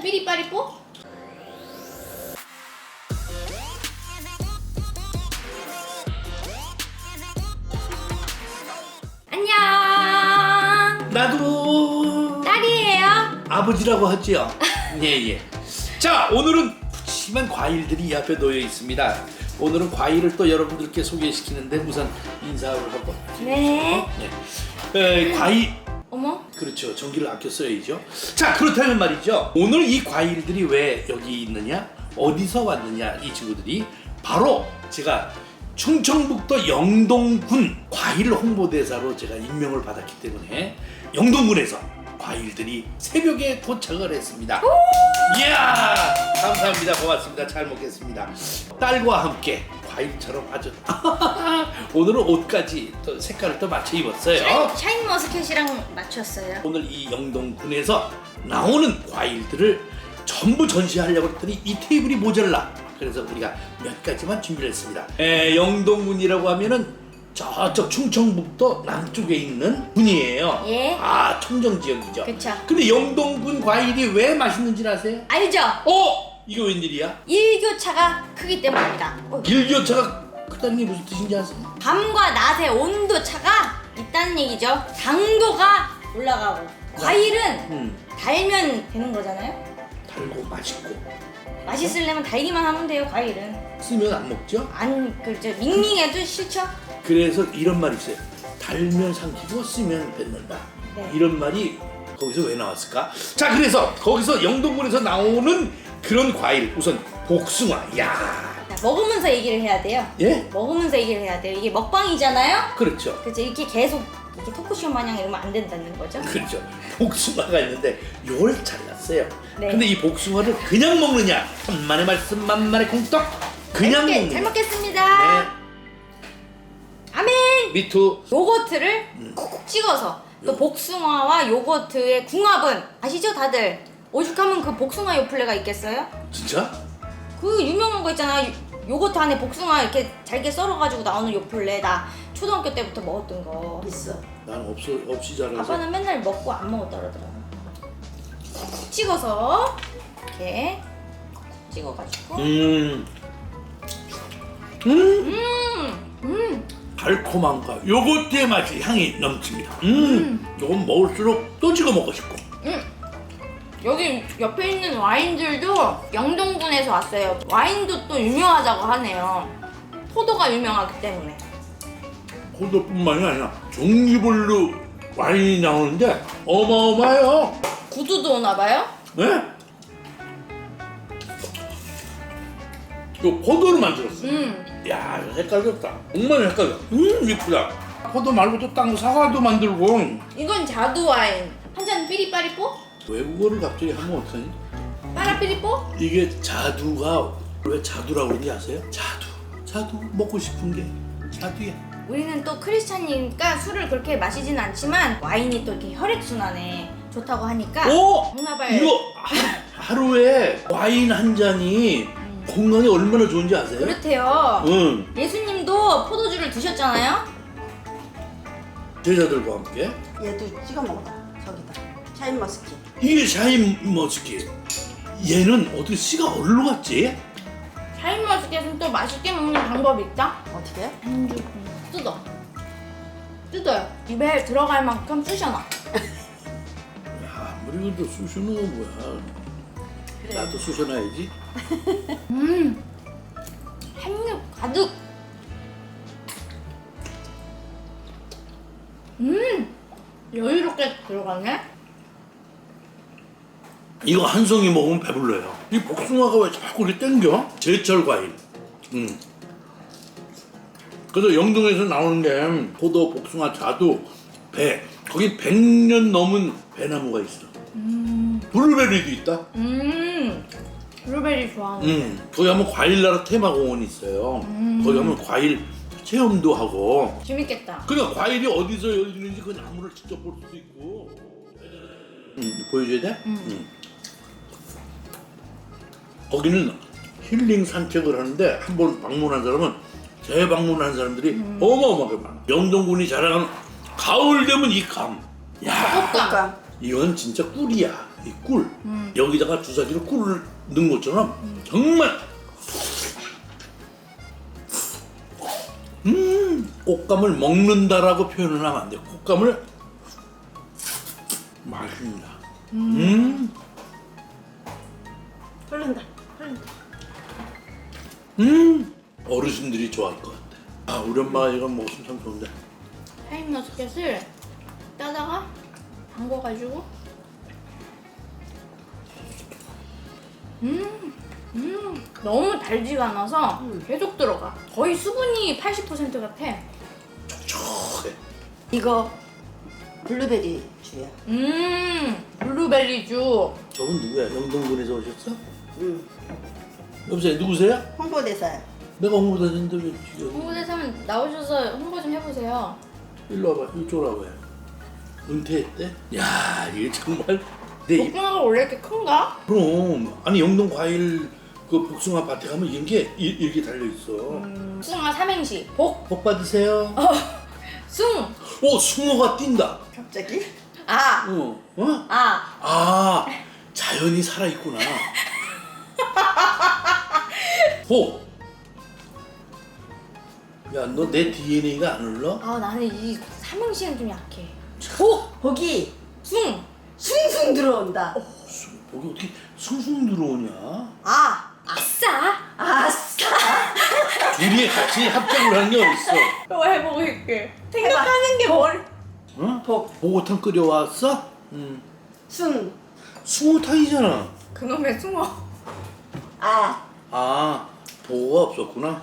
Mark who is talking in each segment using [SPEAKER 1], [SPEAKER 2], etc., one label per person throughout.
[SPEAKER 1] 삐리빠리뽀? 안녕.
[SPEAKER 2] 나도
[SPEAKER 1] 딸이에요.
[SPEAKER 2] 아버지라고 하지요. 예예. 자, 오늘은 푸짐한 과일들이 이 앞에 놓여 있습니다. 오늘은 과일을 또 여러분들께 소개시키는데 우선 인사를 하고.
[SPEAKER 1] 네.
[SPEAKER 2] 과일.
[SPEAKER 1] 어머.
[SPEAKER 2] 그렇죠. 전기를 아껴 써야죠. 자, 그렇다면 말이죠. 오늘 이 과일들이 왜 여기 있느냐? 어디서 왔느냐? 이 친구들이 바로 제가 충청북도 영동군 과일 홍보대사로 제가 임명을 받았기 때문에 영동군에서 과일들이 새벽에 도착을 했습니다. 이야, 감사합니다. 고맙습니다. 잘 먹겠습니다. 딸과 함께 과일처럼 아주 오늘은 옷까지 또 색깔을 또 맞춰 입었어요.
[SPEAKER 1] 샤인머스켓이랑 맞췄어요.
[SPEAKER 2] 오늘 이 영동군에서 나오는 과일들을 전부 전시하려고 했더니 이 테이블이 모자라. 그래서 우리가 몇 가지만 준비를 했습니다. 영동군이라고 하면은 저쪽 충청북도 남쪽에 있는 군이에요.
[SPEAKER 1] 예.
[SPEAKER 2] 아, 청정 지역이죠.
[SPEAKER 1] 그쵸.
[SPEAKER 2] 근데 영동군 과일이 왜 맛있는지 아세요?
[SPEAKER 1] 알죠?
[SPEAKER 2] 이거 웬일이야?
[SPEAKER 1] 일교차가 크기 때문입니다.
[SPEAKER 2] 일교차가 크다는 게 무슨 뜻인지 아세요?
[SPEAKER 1] 밤과 낮의 온도 차가 있다는 얘기죠. 당도가 올라가고 과일은 달면 되는 거잖아요.
[SPEAKER 2] 달고 맛있고
[SPEAKER 1] 맛있으려면 달기만 하면 돼요. 과일은
[SPEAKER 2] 쓰면 안 먹죠?
[SPEAKER 1] 안 그렇죠. 밍밍해도 싫죠.
[SPEAKER 2] 그래서 이런 말이 있어요. 달면 삼키고 쓰면 뱉는다.
[SPEAKER 1] 네.
[SPEAKER 2] 이런 말이 거기서 왜 나왔을까? 자, 그래서 거기서 영동군에서 나오는 그런 과일, 우선 복숭아. 야,
[SPEAKER 1] 자, 먹으면서 얘기를 해야 돼요.
[SPEAKER 2] 예?
[SPEAKER 1] 먹으면서 얘기를 해야 돼요. 이게 먹방이잖아요.
[SPEAKER 2] 그렇죠.
[SPEAKER 1] 그렇죠. 이렇게 계속 이렇게 토크쇼 마냥 이러면 안 된다는 거죠.
[SPEAKER 2] 그렇죠. 복숭아가 있는데 요걸 잘랐어요.
[SPEAKER 1] 네.
[SPEAKER 2] 근데 이 복숭아를 그냥 먹느냐? 천만의 말씀 만만의 공떡. 그냥
[SPEAKER 1] 맛있게
[SPEAKER 2] 먹느냐?
[SPEAKER 1] 잘 먹겠습니다.
[SPEAKER 2] 네.
[SPEAKER 1] 아멘.
[SPEAKER 2] 미투.
[SPEAKER 1] 요거트를 콕콕 찍어서 또 복숭아와 요거트의 궁합은 아시죠 다들? 오죽하면 그 복숭아 요플레가 있겠어요?
[SPEAKER 2] 진짜?
[SPEAKER 1] 그 유명한 거 있잖아. 요거트 안에 복숭아 이렇게 잘게 썰어가지고 나오는 요플레. 나 초등학교 때부터 먹었던 거 있어.
[SPEAKER 2] 난 없이 자라서.
[SPEAKER 1] 아빠는 맨날 먹고 안 먹었다 그러더라고. 콕콕 찍어서 이렇게 콕콕 찍어가지고
[SPEAKER 2] 달콤함과 요거트의 맛이 향이 넘칩니다. 요건 먹을수록 또 찍어 먹고 싶고.
[SPEAKER 1] 여기 옆에 있는 와인들도 영동군에서 왔어요. 와인도 또 유명하다고 하네요. 포도가 유명하기 때문에.
[SPEAKER 2] 포도뿐만이 아니라 종류별로 와인이 나오는데 어마어마해요.
[SPEAKER 1] 구두도 오나 봐요?
[SPEAKER 2] 네? 요 포도로 만들었어요. 야, 이거 색깔 좋다. 정말 색깔 좋다. 이쁘다. 포도 말고도 딴 사과도 만들고.
[SPEAKER 1] 이건 자두 와인. 한 잔 삐리빠리뽀?
[SPEAKER 2] 외국어를 갑자기 하면 어떡하니?
[SPEAKER 1] 빠라삐리뽀?
[SPEAKER 2] 이게 자두가 왜 자두라고 그러는지 아세요? 자두 먹고 싶은 게 자두야.
[SPEAKER 1] 우리는 또 크리스찬이니까 술을 그렇게 마시진 않지만 와인이 또 이렇게 혈액순환에 좋다고 하니까 정나발.
[SPEAKER 2] 이거 하루에 와인 한 잔이 건강에 얼마나 좋은지 아세요?
[SPEAKER 1] 그렇대요.
[SPEAKER 2] 응.
[SPEAKER 1] 예수님도 포도주를 드셨잖아요.
[SPEAKER 2] 제자들과 함께.
[SPEAKER 3] 얘도 찍어 먹어봐. 저기다. 샤인머스켓.
[SPEAKER 2] 이게 샤인머스켓. 얘는 어떻게 씨가 어디로 갔지?
[SPEAKER 1] 샤인머스켓은 또 맛있게 먹는 방법이 있다.
[SPEAKER 3] 어떻게 해?
[SPEAKER 1] 뜯어요. 입에 들어갈 만큼 쑤셔놔.
[SPEAKER 2] 야, 아무리 그래도 쑤시는 건 뭐야.
[SPEAKER 3] 그래.
[SPEAKER 2] 나도 쑤셔놔야지.
[SPEAKER 1] 한입 가득. 여유롭게 들어가네.
[SPEAKER 2] 이거 한 송이 먹으면 배불러요. 이 복숭아가 왜 자꾸 이렇게 땡겨? 제철 과일. 그래서 영동에서 나오는 게 포도, 복숭아, 자두, 배. 거기 100년 넘은 배나무가 있어. 블루베리도 있다.
[SPEAKER 1] 블루베리 좋아하는.
[SPEAKER 2] 거기 가면 과일나라 테마공원이 있어요. 거기 가면 과일 체험도 하고.
[SPEAKER 1] 재밌겠다.
[SPEAKER 2] 그러니까 과일이 어디서 열리는지 그 나무를 직접 볼 수도 있고. 보여줘야 돼? 거기는 힐링 산책을 하는데 한 번 방문한 사람은 재방문한 사람들이 어마어마하게 많아. 영동군이 자랑하는 가을 되면 이 감. 야,
[SPEAKER 1] 볶아.
[SPEAKER 2] 이건 진짜 꿀이야. 이 꿀 여기다가 주사기로 꿀을 넣은 것처럼 정말 꽃감을 먹는다라고 표현을 하면 안 돼요. 꽃감을 맛있습니다.
[SPEAKER 3] 흐른다. 흐른다.
[SPEAKER 2] 어르신들이 좋아할 것 같아. 아, 우리 엄마가 이거 먹으면 참 좋은데.
[SPEAKER 1] 샤인머스켓을 따다가 담궈가지고 너무 달지가 않아서 계속 들어가. 거의 수분이 80% 같아.
[SPEAKER 2] 촉촉해.
[SPEAKER 3] 이거 블루베리 주야.
[SPEAKER 1] 블루베리주.
[SPEAKER 2] 저분 누구야? 영동군에서 오셨어?
[SPEAKER 3] 응.
[SPEAKER 2] 여보세요, 누구세요?
[SPEAKER 3] 홍보대사야.
[SPEAKER 2] 내가 홍보대사인데 왜 여기?
[SPEAKER 1] 홍보대사면 나오셔서 홍보 좀 해보세요.
[SPEAKER 2] 일로 와봐, 이쪽으로 와봐요. 은퇴했대? 야, 이게 정말 내 입.
[SPEAKER 1] 복숭아가 원래 이렇게 큰가?
[SPEAKER 2] 그럼 아니 영동 과일 그 복숭아 밭에 가면 이게 이렇게 달려 있어.
[SPEAKER 1] 복숭아 삼행시. 복,
[SPEAKER 2] 복 받으세요.
[SPEAKER 1] 숭,
[SPEAKER 2] 오, 숭어가 뛴다.
[SPEAKER 3] 갑자기?
[SPEAKER 1] 아,
[SPEAKER 2] 어?
[SPEAKER 1] 아.
[SPEAKER 2] 아, 자연이 살아 있구나. 복. 야, 너 내 DNA가 안 흘러?
[SPEAKER 1] 아 나는 이 삼행시는 좀 약해.
[SPEAKER 3] 복이
[SPEAKER 1] 숭,
[SPEAKER 3] 숭숭 들어온다.
[SPEAKER 2] 복이 어떻게 숭숭 들어오냐?
[SPEAKER 1] 아, 아싸.
[SPEAKER 3] 아싸.
[SPEAKER 2] 둘이 같이 합작을 하는 게 어딨어?
[SPEAKER 1] 또 해보고 있게. 생각하는 게 머리.
[SPEAKER 2] 응?
[SPEAKER 3] 복.
[SPEAKER 2] 보고탕 끓여왔어? 응.
[SPEAKER 3] 숭.
[SPEAKER 2] 숭어탕이잖아.
[SPEAKER 1] 그놈의 숭어.
[SPEAKER 3] 아.
[SPEAKER 2] 아, 보고가 없었구나.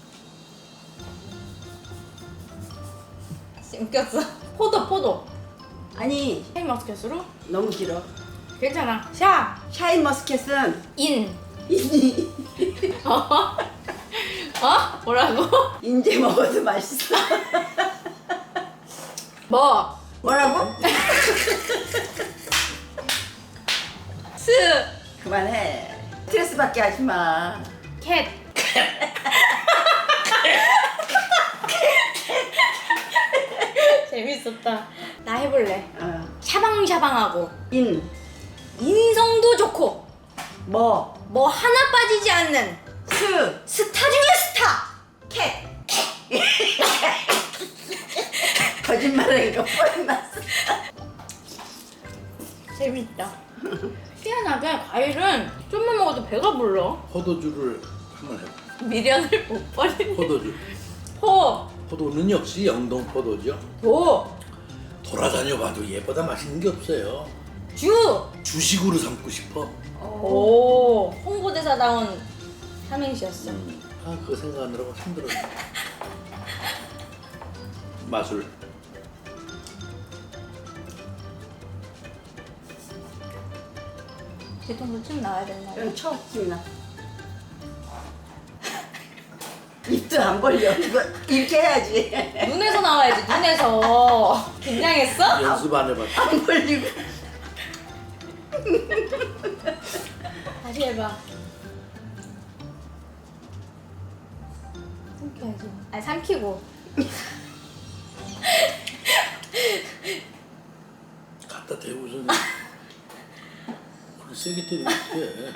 [SPEAKER 1] 웃겼어. 포도.
[SPEAKER 3] 아니
[SPEAKER 1] 샤인머스켓으로?
[SPEAKER 3] 너무 길어.
[SPEAKER 1] 괜찮아. 샤,
[SPEAKER 3] 샤인머스켓은
[SPEAKER 1] 인.
[SPEAKER 3] 이니
[SPEAKER 1] 어? 뭐라고?
[SPEAKER 3] 인제 먹어도 맛있어.
[SPEAKER 1] 뭐?
[SPEAKER 3] 뭐라고?
[SPEAKER 1] 스,
[SPEAKER 3] 그만해. 스트레스 받게 하지 마.
[SPEAKER 1] 캣. 재밌었다. 나 해볼래. 샤방샤방하고 인성도 좋고
[SPEAKER 3] 뭐?
[SPEAKER 1] 뭐 하나 빠지지 않는 스타 중에 스타.
[SPEAKER 3] 캣. 거짓말하니까 뻔히 났어.
[SPEAKER 1] 재밌다. 희한하게 과일은 좀만 먹어도 배가 불러.
[SPEAKER 2] 포도주를 한번 해봐.
[SPEAKER 1] 미련을 못 버리네.
[SPEAKER 2] 포도주. 포도는 역시 영동 포도죠. 돌아다녀봐도 얘보다 맛있는 게 없어요. 주식으로 삼고 싶어.
[SPEAKER 1] 오, 홍보대사다운 삼행시였어.
[SPEAKER 2] 아, 그거 생각하느라고 힘들어. 마술.
[SPEAKER 1] 뒤통수 침 나와야 된다.
[SPEAKER 3] 그럼 쳐, 김이나. 입도 안 벌려. 이거 이렇게 해야지.
[SPEAKER 1] 눈에서 나와야지. 눈에서. 긴장했어?
[SPEAKER 2] 연습 안 해봤어.
[SPEAKER 3] 안 벌리고.
[SPEAKER 1] 다시 해봐. 삼켜야지. 아니 삼키고.
[SPEAKER 2] 갖다 대고서는 그렇게 세게 때리면 어떡해.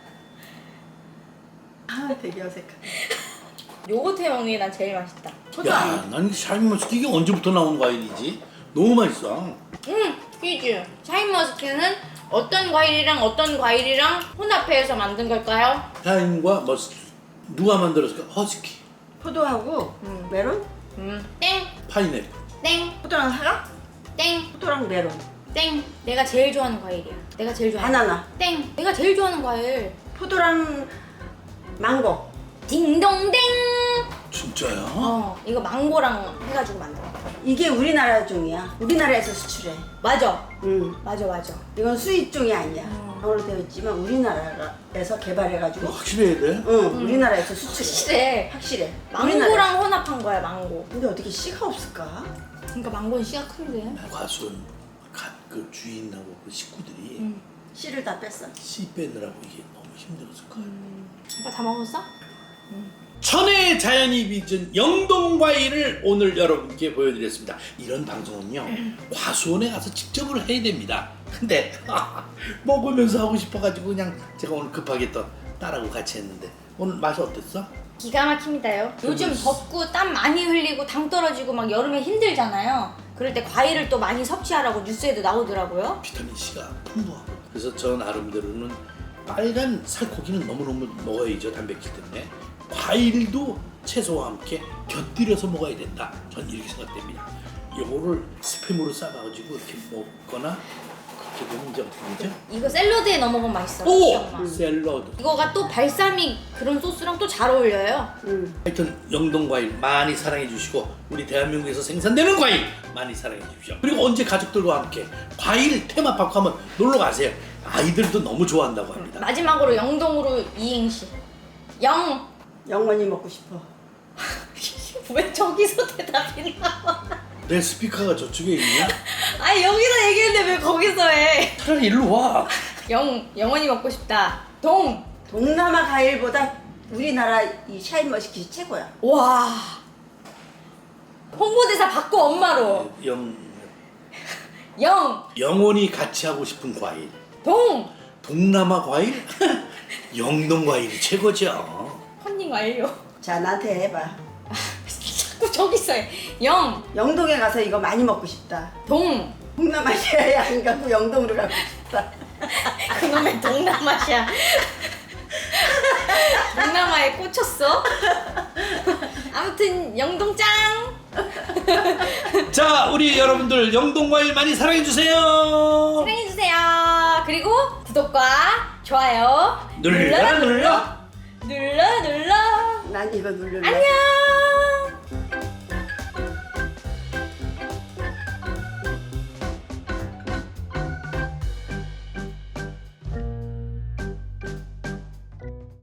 [SPEAKER 3] 아, 되게 어색하다.
[SPEAKER 1] 요거트 형이 난 제일 맛있다.
[SPEAKER 2] 야, 난 샤인머스켓 이게 언제부터 나온 과일이지? 너무 맛있어.
[SPEAKER 1] 퀴즈. 샤인머스켓은 어떤 과일이랑 혼합해서 만든 걸까요?
[SPEAKER 2] 샤인과 머스켓 누가 만들었을까? 허스키,
[SPEAKER 3] 포도하고 메론?
[SPEAKER 1] 땡,
[SPEAKER 2] 파인애플.
[SPEAKER 1] 땡,
[SPEAKER 3] 포도랑 사과?
[SPEAKER 1] 땡,
[SPEAKER 3] 포도랑 메론.
[SPEAKER 1] 땡. 내가 제일 좋아하는 과일이야. 내가 제일 좋아하는.
[SPEAKER 3] 바나나.
[SPEAKER 1] 땡. 내가 제일 좋아하는 과일.
[SPEAKER 3] 포도랑 망고.
[SPEAKER 1] 딩동댕.
[SPEAKER 2] 진짜야?
[SPEAKER 1] 이거 망고랑 해가지고 만들어.
[SPEAKER 3] 이게 우리나라 종이야. 우리나라에서 수출해.
[SPEAKER 1] 맞아.
[SPEAKER 3] 응.
[SPEAKER 1] 맞아.
[SPEAKER 3] 이건 수입 종이 아니야. 방으로 되어 있지만 우리나라에서 개발해가지고.
[SPEAKER 2] 확실해야 돼?
[SPEAKER 3] 응. 우리나라에서 수출해.
[SPEAKER 1] 확실해.
[SPEAKER 3] 확실해.
[SPEAKER 1] 망고랑 혼합한 거야, 망고.
[SPEAKER 3] 근데 어떻게 씨가 없을까?
[SPEAKER 1] 그러니까 망고는 씨가 큰데.
[SPEAKER 2] 과수원 그 주인하고 그 식구들이
[SPEAKER 3] 씨를 다 뺐어.
[SPEAKER 2] 씨 빼느라고 이게 너무 힘들었을 거야.
[SPEAKER 1] 오빠 다 먹었어?
[SPEAKER 2] 천혜의 자연이 빚은 영동 과일을 오늘 여러분께 보여드렸습니다. 이런 방송은요 과수원에 가서 직접을 해야 됩니다. 근데 먹으면서 하고 싶어가지고 그냥 제가 오늘 급하게 또 딸하고 같이 했는데 오늘 맛이 어땠어?
[SPEAKER 1] 기가 막힙니다요. 요즘 덥고 땀 많이 흘리고 당 떨어지고 막 여름에 힘들잖아요. 그럴 때 과일을 또 많이 섭취하라고 뉴스에도 나오더라고요.
[SPEAKER 2] 비타민C가 풍부하고 그래서 저 나름대로는 빨간 살코기는 너무너무 먹어야죠. 단백질 때문에. 과일도 채소와 함께 곁들여서 먹어야 된다. 전 이렇게 생각됩니다. 요거를 스팸으로 싸가지고 이렇게 먹거나 그렇게 되면 이제 어떻게 되죠?
[SPEAKER 1] 이거 샐러드에 넣어 먹으면 맛있어.
[SPEAKER 2] 오! 샐러드.
[SPEAKER 1] 이거가 또 발사믹 그런 소스랑 또 잘 어울려요.
[SPEAKER 2] 하여튼 영동 과일 많이 사랑해 주시고 우리 대한민국에서 생산되는 과일 많이 사랑해 주십시오. 그리고 언제 가족들과 함께 과일 테마파크 한번 놀러 가세요. 아이들도 너무 좋아한다고 합니다.
[SPEAKER 1] 마지막으로 영동으로 이행시.
[SPEAKER 3] 영원히 먹고 싶어.
[SPEAKER 1] 왜 저기서 대답이 나와?
[SPEAKER 2] 내 스피커가 저쪽에 있냐?
[SPEAKER 1] 아니 여기서 얘기했는데 왜 거기서 해?
[SPEAKER 2] 차라리 일로 와.
[SPEAKER 1] 영원히 먹고 싶다.
[SPEAKER 3] 동남아 과일보다 우리나라 이 샤인머스킷이 최고야.
[SPEAKER 1] 와. 홍보대사 받고 엄마로.
[SPEAKER 2] 영원히 같이 하고 싶은 과일. 동남아 과일? 영동 과일이 최고죠.
[SPEAKER 1] 펀딩 완료.
[SPEAKER 3] 자, 나한테 해봐.
[SPEAKER 1] 자꾸 저기서 해.
[SPEAKER 3] 영동에 가서 이거 많이 먹고 싶다. 동남아시아에 안 가고 영동으로 가고 싶다.
[SPEAKER 1] 그놈의 동남아시아. 동남아에 꽂혔어? 아무튼 영동 짱!
[SPEAKER 2] 자, 우리 여러분들 영동 과일 많이 사랑해 주세요.
[SPEAKER 1] 사랑해주세요. 그리고 구독과 좋아요
[SPEAKER 2] 눌러.
[SPEAKER 1] 눌러.
[SPEAKER 3] 난 이거 누르려.
[SPEAKER 1] 안녕.